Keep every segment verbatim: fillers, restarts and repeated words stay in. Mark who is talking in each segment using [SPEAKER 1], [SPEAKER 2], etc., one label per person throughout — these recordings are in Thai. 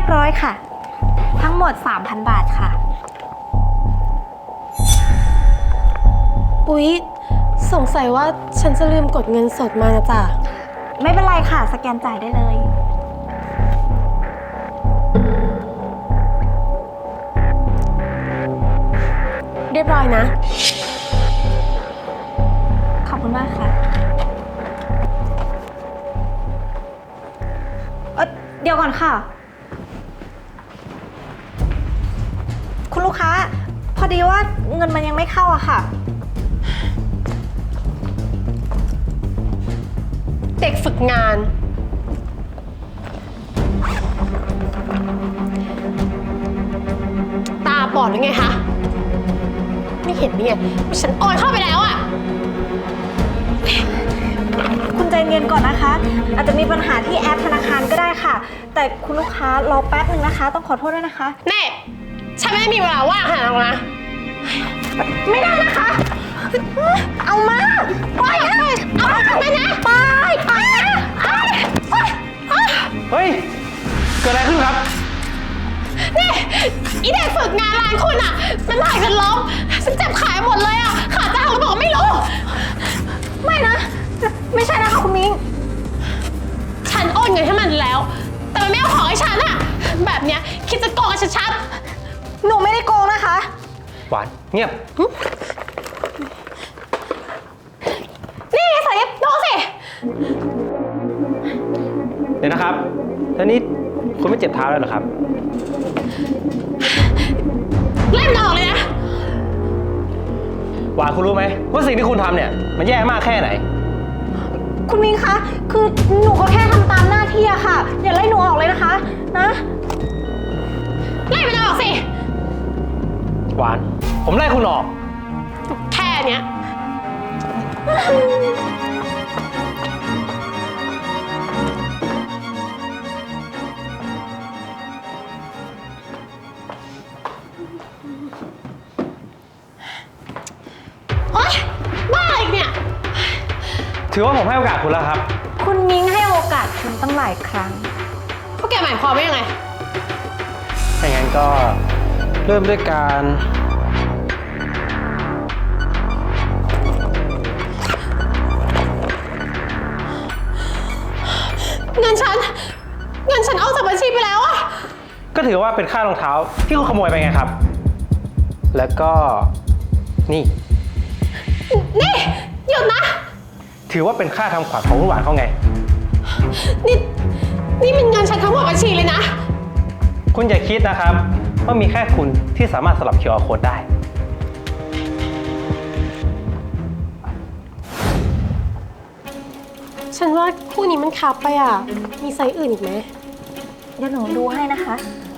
[SPEAKER 1] บร้อยค่ะทั้งหมด สามพัน บาทค่ะ
[SPEAKER 2] อุ๊ยสงสัยว่าฉันจะลืมกดเงินสดมานะจ๊ะ
[SPEAKER 1] ไม่เป็นไรค่ะสแกนจ่ายได้เลย
[SPEAKER 2] เรียบร้อยนะ
[SPEAKER 1] ขอบคุณมากค่ะเอ่อเดี๋ยวก่อนค่ะคุณลูกค้าพอดีว่าเงินมันยังไม่เข้าอะค่ะ
[SPEAKER 2] เด็กฝึกงานตาบอดหรือไงคะไม่เห็นนี่ไงว่าฉันโอนเข้าไปแล้วอะ
[SPEAKER 1] คุณใจเย็นก่อนนะคะอาจจะมีปัญหาที่แอปธนาคารก็ได้ค่ะแต่คุณลูกค้ารอแป๊บนึงนะคะต้องขอโทษด้วยนะคะ
[SPEAKER 2] แน่ฉันไม่ได้มีเวลาว่างขนาดนั้นนะ
[SPEAKER 1] ไม่ได้นะคะเอามาไปเอามาไปนะไปไป
[SPEAKER 3] เฮ้ยเกิดอะไรขึ้นครับ
[SPEAKER 2] นี่อีเด็กฝึกงานร้านคุณอ่ะมันถ่ายฉันล้มฉันเจ็บขาหมดเลยอ่ะขาจะหักแล้วบอกไม่รู้
[SPEAKER 1] ไม่นะไม่ใช่นะคะคุณมิ้ง
[SPEAKER 2] ฉันโอนเงินให้มันแล้วแต่มันไม่เอาของให้ฉันอ่ะแบบเนี้ยคิดจะโกงฉันชัด
[SPEAKER 1] หนูไม่ได้โกงนะคะ
[SPEAKER 3] หวานเงียบ
[SPEAKER 2] นี่สายดูสิ
[SPEAKER 3] เดี๋ยวนะครับแล้วนี่คุณไม่เจ็บเท้าแล้วเหรอครับ
[SPEAKER 2] เล่นออกเลยนะ
[SPEAKER 3] หวานคุณรู้ไหมว่าสิ่งที่คุณทำเนี่ยมันแย่มากแค่ไหน
[SPEAKER 1] คุณมิ้งคะคือหนูก็แค่ทำตามหน้าที่อะค่ะอย่าไล่หนูออกเลยนะคะนะ
[SPEAKER 2] ไล่มันออกสิ
[SPEAKER 3] หวานผมไล่คุณออก
[SPEAKER 2] แค่เนี้ยโอ๊ยบ้าอีกเนี่ย
[SPEAKER 3] ถือว่าผมให้โอกาสคุณแล้วครับ
[SPEAKER 1] คุณมิ้งให้โอกาสคุณตั้งหลายครั้ง
[SPEAKER 2] พวกแกหมายความว่ายังไง
[SPEAKER 3] ถ้าอย่างนั้นก็เริ่มด้วยการ
[SPEAKER 2] เงินฉันเงินฉันเอาจากบัญชีไปแล้วอะ
[SPEAKER 3] ก็ถือว่าเป็นค่ารองเท้าที่คุณขโมยไปไงครับแล้วก็นี่
[SPEAKER 2] นี่หยุดนะ
[SPEAKER 3] ถือว่าเป็นค่าทำขวัญของคุณหวานเขาไง
[SPEAKER 2] นี่นี่มันเงินฉันทั้งหมดบัญชีเลยนะ
[SPEAKER 3] คุณอย่าคิดนะครับว่ามีแค่คุณที่สามารถสลับ คิว อาร์ Code ได้
[SPEAKER 2] ฉันว่าคู่นี้มันคับไปอ่ะมีไซส์อื่นอีกไหม
[SPEAKER 1] เดี๋ยวหนูดูให้นะคะ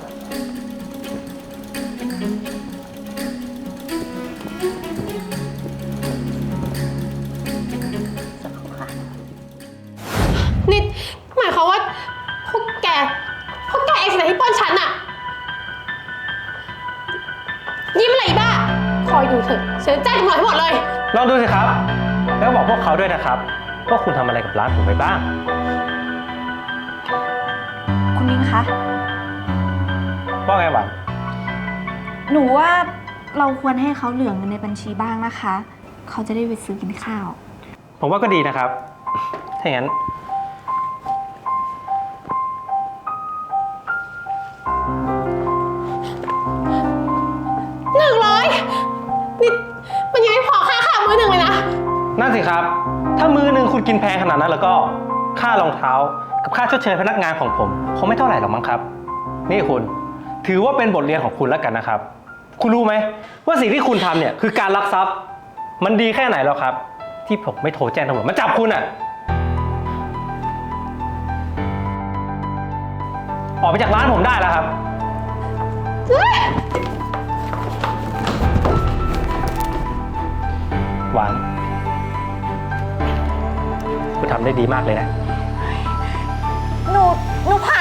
[SPEAKER 2] นี่หมายความว่าพวกแกพวกแกเองสินะที่ป้อนฉันอะยิ้มอะไรบ้าคอยดูเถอะฉันจะแจ้งตำรวจให้หมดเลย
[SPEAKER 3] ลองดูสิครับแล้วบอกพวกเขาด้วยนะครับว่าคุณทำอะไรกับร้านผมไปบ้าง
[SPEAKER 1] คุณมิ้งคะ
[SPEAKER 3] ว่าไงหวาน
[SPEAKER 1] หนูว่าเราควรให้เขาเหลือเงินในบัญชีบ้างนะคะเขาจะได้ไปซื้อกินข้าว
[SPEAKER 3] ผมว่าก็ดีนะครับถ้าอย่างนั้น
[SPEAKER 2] หนึ่งร้อยนี่มันยังไม่พอค่าข้าวมื้อหนึ่งเลยนะ
[SPEAKER 3] นั่นสิครับถ้ามื้อหนึ่งคุณกินแพงขนาดนั้นแล้วก็ค่ารองเท้ากับค่าชดเชยพนักงานของผมคงไม่เท่าไหร่หรอกมั้งครับนี่คุณถือว่าเป็นบทเรียนของคุณแล้วกันนะครับคุณรู้ไหมว่าสิ่งที่คุณทำเนี่ยคือการลักทรัพย์มันดีแค่ไหนแล้วครับที่ผมไม่โทรแจ้งตำรวจมาจับคุณอ่ะออกไปจากร้านผมได้แล้วครับหวานคุณทำได้ดีมากเลยนะ
[SPEAKER 1] หนูหนูผ่าน